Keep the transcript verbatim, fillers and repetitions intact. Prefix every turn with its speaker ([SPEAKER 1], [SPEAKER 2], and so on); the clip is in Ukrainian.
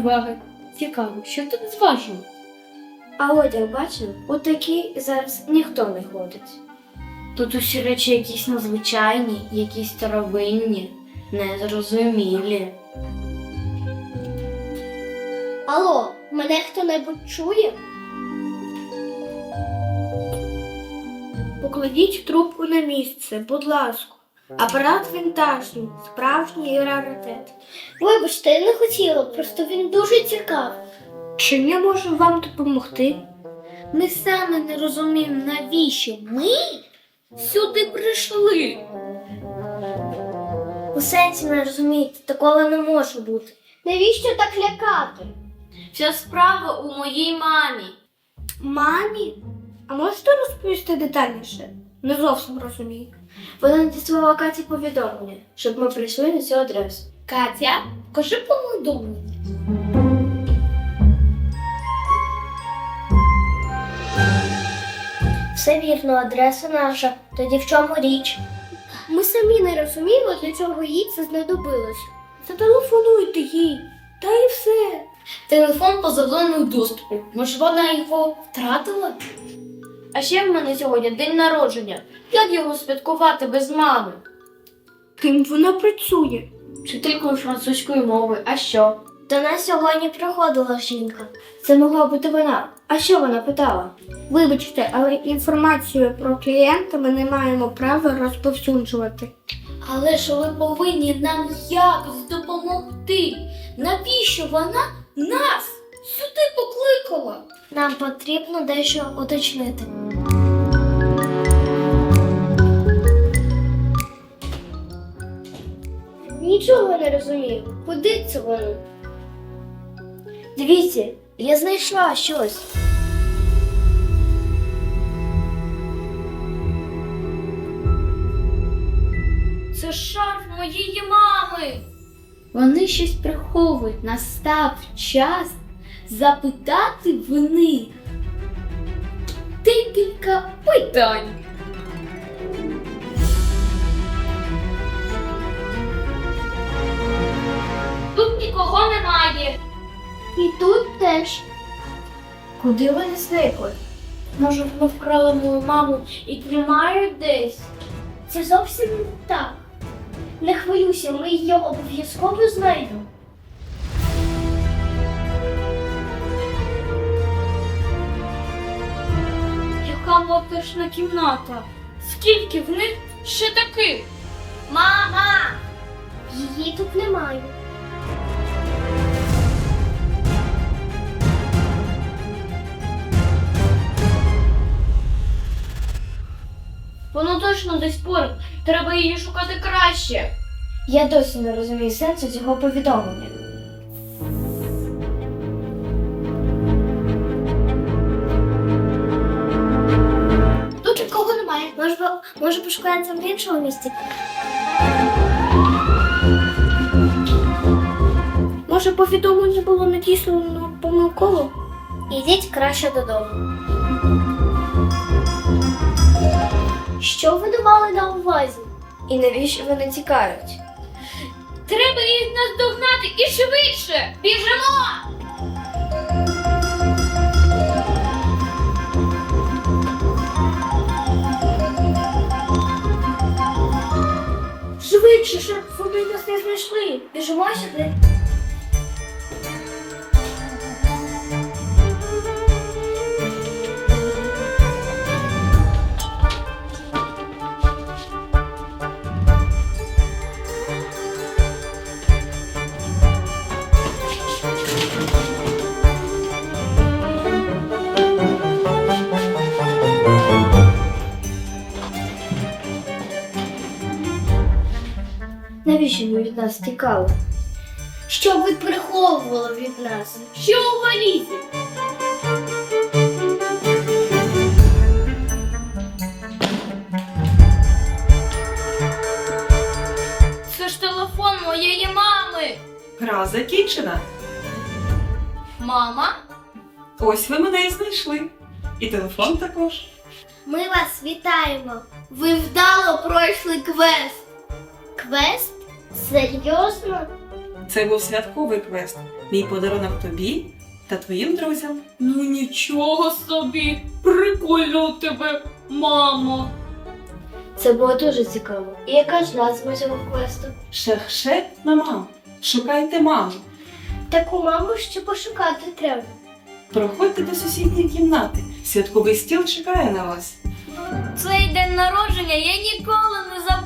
[SPEAKER 1] уваги. Цікаво, що тут зважено?
[SPEAKER 2] А одяг бачив? У такий зараз ніхто не ходить.
[SPEAKER 1] Тут усі речі якісь незвичайні, якісь старовинні, незрозумілі.
[SPEAKER 2] Алло, мене хто-небудь чує? Покладіть трубку на місце, будь ласка. Апарат вінтажний, справжній раритет. Вибачте, я не хотіла, просто він дуже цікавий. Чим я можу вам допомогти? Ми саме не розуміємо, навіщо ми сюди прийшли. У сенсі не розумієте, такого не може бути. Навіщо так лякати?
[SPEAKER 1] Вся справа у моїй мамі.
[SPEAKER 2] Мамі? А можете розповісти детальніше? Не зовсім розумію. Вона надіслала Каті повідомлення, щоб ми прийшли на цю адресу.
[SPEAKER 1] Катя, кажи повідомлення.
[SPEAKER 2] Все вірно, адреса наша. Тоді в чому річ? Ми самі не розуміємо, для чого їй це знадобилось. Зателефонуйте їй, та і все.
[SPEAKER 1] Телефон поза доступу. Може, вона його втратила? А ще в мене сьогодні день народження. Як його святкувати без мами?
[SPEAKER 2] Ким вона працює?
[SPEAKER 1] Вчителькою французької мови. А що?
[SPEAKER 2] До нас сьогодні приходила жінка. Це могла бути вона. А що вона питала? Вибачте, але інформацію про клієнта ми не маємо права розповсюджувати.
[SPEAKER 1] Але ж ви повинні нам якось допомогти. Навіщо вона нас сюди покликала?
[SPEAKER 2] Нам потрібно дещо уточнити. Нічого не розумію. Куди це воно? Дивіться, я знайшла щось.
[SPEAKER 1] Це шарф моєї мами. Вони щось приховують. Настав час запитати в них декілька питань. Тут нікого немає.
[SPEAKER 2] І тут теж. Куди вони зникли?
[SPEAKER 1] Може, вони вкрали мою маму і тримають десь?
[SPEAKER 2] Це зовсім не так. Не хвилюйся, ми її обов'язково знайдемо.
[SPEAKER 1] Яка моторошна кімната? Скільки в них ще таких? Мама!
[SPEAKER 2] Її тут немає.
[SPEAKER 1] Воно точно десь поруч. Треба її шукати краще.
[SPEAKER 2] Я досі не розумію сенсу цього повідомлення. Тут нікого немає. Може, може пошукається в іншому місці? Може, повідомлення було надіслано помилково? Ідіть краще додому. Що ви мали на увазі? І навіщо вони тікають?
[SPEAKER 1] Треба їх наздогнати і швидше! Біжимо!
[SPEAKER 2] Швидше, щоб вони нас не знайшли. Біжимо сюди. Навіщо ви від нас тікали? Що ви приховували від нас?
[SPEAKER 1] Що у валізі? Це ж телефон моєї мами.
[SPEAKER 3] Гра закінчена.
[SPEAKER 1] Мама?
[SPEAKER 3] Ось ви мене і знайшли. І телефон також.
[SPEAKER 2] Ми вас вітаємо. Ви вдало пройшли квест. Квест? Серйозно?
[SPEAKER 3] Це був святковий квест. Мій подарунок тобі та твоїм друзям.
[SPEAKER 1] Ну нічого собі, прикольно у тебе, мамо.
[SPEAKER 2] Це було дуже цікаво. І яка ж назва цього квесту?
[SPEAKER 3] Шехшет на маму. Шукайте маму.
[SPEAKER 2] Таку маму ще пошукати треба.
[SPEAKER 3] Проходьте до сусідньої кімнати. Святковий стіл чекає на вас.
[SPEAKER 1] Цей день народження я ніколи не забуду.